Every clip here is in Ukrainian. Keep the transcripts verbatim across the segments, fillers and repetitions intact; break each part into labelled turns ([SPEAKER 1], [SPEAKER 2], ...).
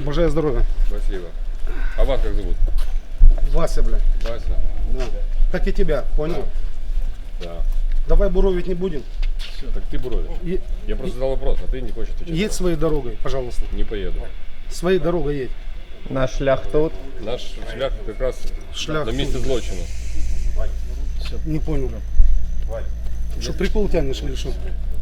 [SPEAKER 1] Божая здоровья.
[SPEAKER 2] Спасибо. А вас как зовут?
[SPEAKER 1] Вася, бля.
[SPEAKER 2] Вася?
[SPEAKER 1] Да. Как и тебя, понял?
[SPEAKER 2] Да.
[SPEAKER 1] Давай буровить не будем.
[SPEAKER 2] Так ты буровишь.
[SPEAKER 1] Е-
[SPEAKER 2] Я просто задал вопрос, а ты не хочешь отвечать.
[SPEAKER 1] Едь своей дорогой, пожалуйста.
[SPEAKER 2] Не поеду.
[SPEAKER 1] Своей дорогой едь.
[SPEAKER 3] Наш шлях тут.
[SPEAKER 2] Наш шлях как раз
[SPEAKER 1] Шлях
[SPEAKER 2] на месте
[SPEAKER 1] тут.
[SPEAKER 2] злочина.
[SPEAKER 1] Не понял. Что, прикол тянешь или что?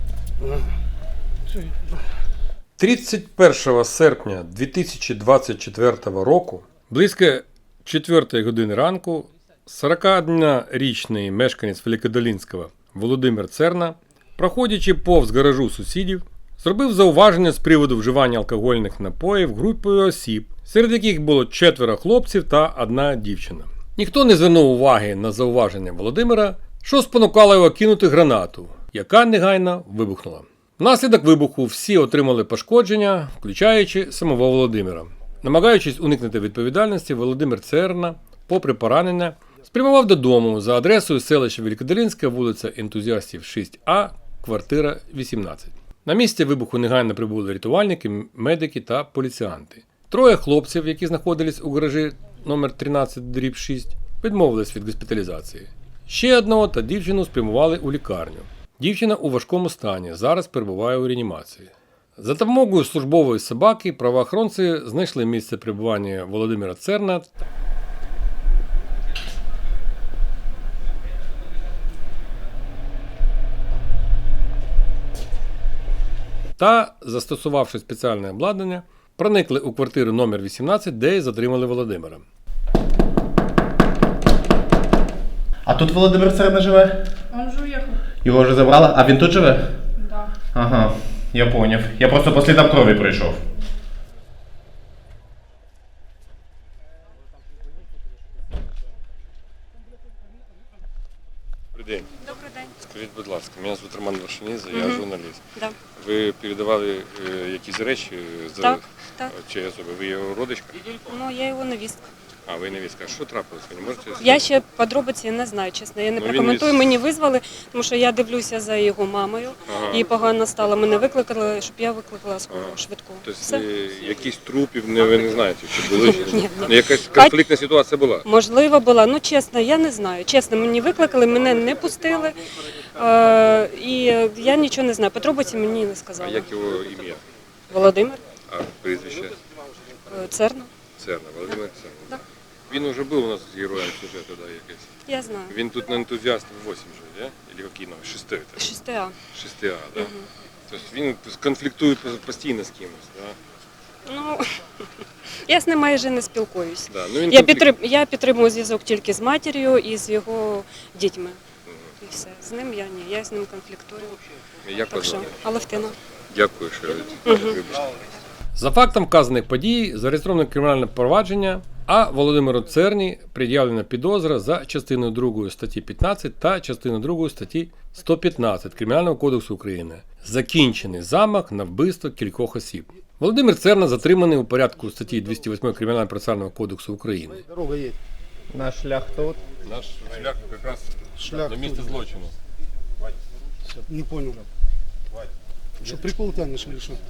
[SPEAKER 4] тридцять першого серпня дві тисячі двадцять четвертого року близько четвертої години ранку сорокаоднорічний мешканець Великодолинського Володимир Церна, проходячи повз гаражу сусідів, зробив зауваження з приводу вживання алкогольних напоїв групою осіб, серед яких було четверо хлопців та одна дівчина. Ніхто не звернув уваги на зауваження Володимира, що спонукало його кинути гранату, яка негайно вибухнула. Внаслідок вибуху всі отримали пошкодження, включаючи самого Володимира. Намагаючись уникнути відповідальності, Володимир Церна, попри поранення, спрямував додому за адресою селища Великодолинська, вулиця Ентузіастів шість А, квартира вісімнадцять. На місці вибуху негайно прибули рятувальники, медики та поліціянти. Троє хлопців, які знаходились у гаражі номер тринадцять дріб шість, відмовились від госпіталізації. Ще одного та дівчину спрямували у лікарню. Дівчина у важкому стані, зараз перебуває у реанімації. За допомогою службової собаки правоохоронці знайшли місце перебування Володимира Церна та, застосувавши спеціальне обладнання, проникли у квартиру номер вісімнадцять, де й затримали Володимира.
[SPEAKER 3] А тут Володимир Церна живе?
[SPEAKER 5] Он же уехал.
[SPEAKER 3] Його вже забрали? А він тут живе?
[SPEAKER 5] Да.
[SPEAKER 3] Ага, я поняв. Я просто по слідам крові прийшов.
[SPEAKER 2] Добрий день.
[SPEAKER 5] Добрий день.
[SPEAKER 2] Скажіть, будь ласка, мене звуть Роман Вершиніза, я журналіст.
[SPEAKER 5] Да.
[SPEAKER 2] Ви передавали е, якісь речі за
[SPEAKER 5] Так, так.
[SPEAKER 2] чиї особи? Ви його родичка?
[SPEAKER 5] Ну, я його невістка.
[SPEAKER 2] А, ви невістка. Що трапилось? Ви не можете сказати?
[SPEAKER 5] Я ще подробиці не знаю, чесно. Я не
[SPEAKER 2] Ну, він
[SPEAKER 5] прокоментую.
[SPEAKER 2] із-
[SPEAKER 5] Мені визвали, тому що я дивлюся за його мамою.
[SPEAKER 2] Ага.
[SPEAKER 5] Їй погано стало. Мене викликали, щоб я викликала скору швидку.
[SPEAKER 2] Тобто
[SPEAKER 5] Все.
[SPEAKER 2] е, якісь трупів не, ви не знаєте, чи були? Чи
[SPEAKER 5] Ні,
[SPEAKER 2] ні?
[SPEAKER 5] ні.
[SPEAKER 2] Ну, якась конфліктна ситуація була?
[SPEAKER 5] Можливо, була. Ну, чесно, я не знаю. Чесно, мені викликали, мене не пустили. Е, і я нічого не знаю. Подробиці мені не
[SPEAKER 2] А
[SPEAKER 5] сказали.
[SPEAKER 2] як його ім'я?
[SPEAKER 5] Володимир
[SPEAKER 2] А прізвище?
[SPEAKER 5] е, Церна.
[SPEAKER 2] Церна, Володимир Церна.
[SPEAKER 5] Да.
[SPEAKER 2] Він вже був у нас героєм сюжету, да, якийсь.
[SPEAKER 5] Я знаю.
[SPEAKER 2] Він тут на ентузіастів вісім живе, да? Или який номер? Шестий?
[SPEAKER 5] шість А.
[SPEAKER 2] Шестий А, да? Тобто він конфліктує постійно з кимось, да?
[SPEAKER 5] Ну, я з ним майже не спілкуюсь.
[SPEAKER 2] Да. Ну, він
[SPEAKER 5] Я,
[SPEAKER 2] конфлікт-
[SPEAKER 5] підтрим... я підтримую зв'язок тільки з матір'ю і з його дітьми. І все. З ним я ні, я з ним конфліктую.
[SPEAKER 2] Як
[SPEAKER 5] Так
[SPEAKER 2] вас
[SPEAKER 5] що,
[SPEAKER 2] звати?
[SPEAKER 5] Алевтина.
[SPEAKER 2] Дякую, що вибачте.
[SPEAKER 4] За фактом вказаних подій зареєстровано кримінальне провадження, а Володимиру Церні пред'явлена підозра за частиною другою статті п'ятнадцять та частиною другою статті сто п'ятнадцять Кримінального кодексу України. Закінчений замах на вбивство кількох осіб. Володимир Церна затриманий у порядку статті двісті восьмої Кримінального процесуального кодексу України.
[SPEAKER 1] Дорога едь.
[SPEAKER 3] Наш шлях тут.
[SPEAKER 2] Наш шлях якраз
[SPEAKER 1] Шлях
[SPEAKER 2] на місце
[SPEAKER 1] тут.
[SPEAKER 2] злочину.
[SPEAKER 1] Не понял. Что, прикол тянешь или что?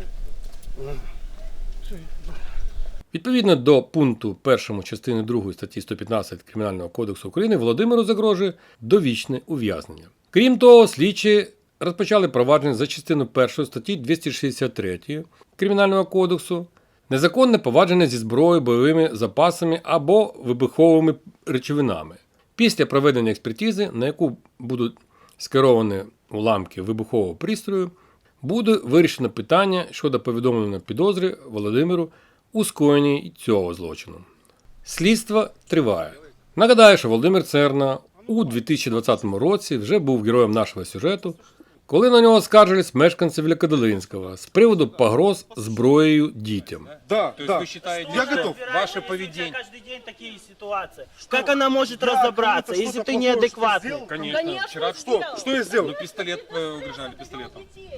[SPEAKER 4] Відповідно до пункту першому частини другої статті сто п'ятнадцять Кримінального кодексу України Володимиру загрожує довічне ув'язнення. Крім того, слідчі розпочали провадження за частиною першої статті двісті шістдесят три Кримінального кодексу незаконне повадження зі зброєю, бойовими запасами або вибуховими речовинами. Після проведення експертизи, на яку будуть скеровані уламки вибухового пристрою, буде вирішено питання щодо повідомлення підозри Володимиру у скоєнні цього злочину. Слідство триває. Нагадаю, що Володимир Церна у дві тисячі двадцятому році вже був героєм нашого сюжету, коли на нього скаржились мешканці Великодолинського з приводу погроз зброєю дітям.
[SPEAKER 1] Да,
[SPEAKER 6] То есть
[SPEAKER 1] да.
[SPEAKER 6] вы считаете,
[SPEAKER 1] Я
[SPEAKER 6] что
[SPEAKER 1] готов.
[SPEAKER 6] ваше поведение...
[SPEAKER 7] Каждый день такие ситуации. Как она может разобраться,
[SPEAKER 1] кому-то
[SPEAKER 7] если
[SPEAKER 1] что-то
[SPEAKER 7] ты
[SPEAKER 1] плохое
[SPEAKER 7] неадекватный?
[SPEAKER 1] сделал?
[SPEAKER 6] Конечно, вчера
[SPEAKER 1] Что? Что я сделал?
[SPEAKER 6] ну, пистолет э, угрожали пистолетом.
[SPEAKER 7] Ты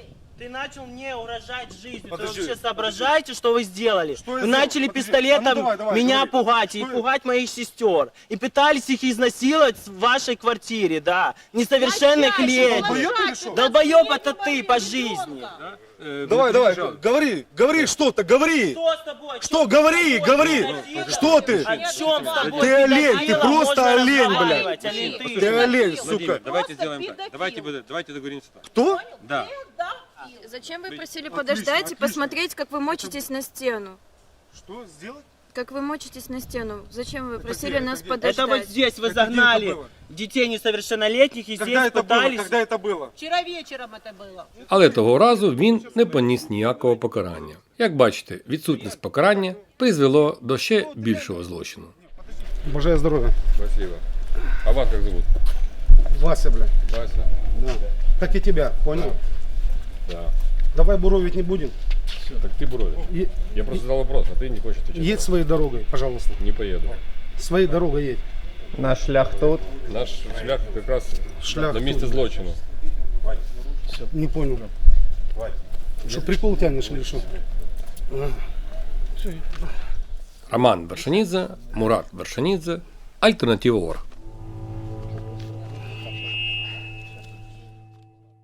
[SPEAKER 7] Ты начал мне угрожать жизнью.
[SPEAKER 1] Подожди.
[SPEAKER 7] Вы вообще соображаете, что вы сделали?
[SPEAKER 1] Что я
[SPEAKER 7] Вы
[SPEAKER 1] сделал?
[SPEAKER 7] начали
[SPEAKER 1] Подожди.
[SPEAKER 7] пистолетом
[SPEAKER 1] А ну давай, давай,
[SPEAKER 7] меня
[SPEAKER 1] говори.
[SPEAKER 7] пугать и
[SPEAKER 1] Что я-
[SPEAKER 7] пугать моих сестер. И пытались их изнасиловать в вашей квартире, да. Несовершенных лет.
[SPEAKER 1] Долбоёб или что?
[SPEAKER 7] Долбоеб это ты по жизни.
[SPEAKER 1] Давай, давай, говори, говори что-то, говори.
[SPEAKER 7] Что с тобой?
[SPEAKER 1] Что,
[SPEAKER 7] Чё с
[SPEAKER 1] говори,
[SPEAKER 7] тобой?
[SPEAKER 1] говори.
[SPEAKER 7] Педофилом?
[SPEAKER 1] Что ты?
[SPEAKER 7] О чем с тобой?
[SPEAKER 1] Ты олень, ты
[SPEAKER 7] Педофилом
[SPEAKER 1] просто
[SPEAKER 7] можно
[SPEAKER 1] олень,
[SPEAKER 7] разговаривать,
[SPEAKER 1] блядь.
[SPEAKER 7] олень ты.
[SPEAKER 1] Ты олень,
[SPEAKER 2] Владимир,
[SPEAKER 1] сука.
[SPEAKER 2] давайте сделаем так. Давайте, будем- давайте договоримся так.
[SPEAKER 1] Кто?
[SPEAKER 2] Да.
[SPEAKER 6] Зачем вы просили
[SPEAKER 1] Отлично,
[SPEAKER 6] подождать и
[SPEAKER 1] отлично.
[SPEAKER 6] посмотреть, как вы мочитесь на стену?
[SPEAKER 1] Что сделать?
[SPEAKER 6] Как вы мочитесь на стену? Зачем вы просили
[SPEAKER 1] где?
[SPEAKER 6] нас
[SPEAKER 1] Это где?
[SPEAKER 6] подождать?
[SPEAKER 7] Это вот здесь вы
[SPEAKER 1] Это где это
[SPEAKER 7] загнали
[SPEAKER 1] было?
[SPEAKER 7] детей несовершеннолетних и
[SPEAKER 1] Когда
[SPEAKER 7] здесь
[SPEAKER 1] это было?
[SPEAKER 7] пытались...
[SPEAKER 1] Когда это было?
[SPEAKER 8] Вчера вечером это было.
[SPEAKER 4] Але того разу він не поніс ніякого покарання. Як бачите, відсутність покарання призвело до ще більшого злочину.
[SPEAKER 1] Бажаю здоровья.
[SPEAKER 2] Спасибо. А вас как зовут?
[SPEAKER 1] Вася, блядь.
[SPEAKER 2] Вася?
[SPEAKER 1] Да. Как и тебя, понял?
[SPEAKER 2] Да.
[SPEAKER 1] Давай буровить не будем.
[SPEAKER 2] Так ты буровишь.
[SPEAKER 1] Е-
[SPEAKER 2] Я просто задал вопрос, а ты не хочешь отвечать.
[SPEAKER 1] Едь своей дорогой, пожалуйста.
[SPEAKER 2] Не поеду.
[SPEAKER 1] Своей дорогой едь.
[SPEAKER 9] Наш шлях тут.
[SPEAKER 2] Наш шлях как раз
[SPEAKER 1] Шлях
[SPEAKER 2] на месте
[SPEAKER 1] тут.
[SPEAKER 2] злочину.
[SPEAKER 1] Не понял. Что, прикол тянешь или что?
[SPEAKER 4] Роман Вершинідзе, Мурат Вершинідзе, Альтернатива.орг.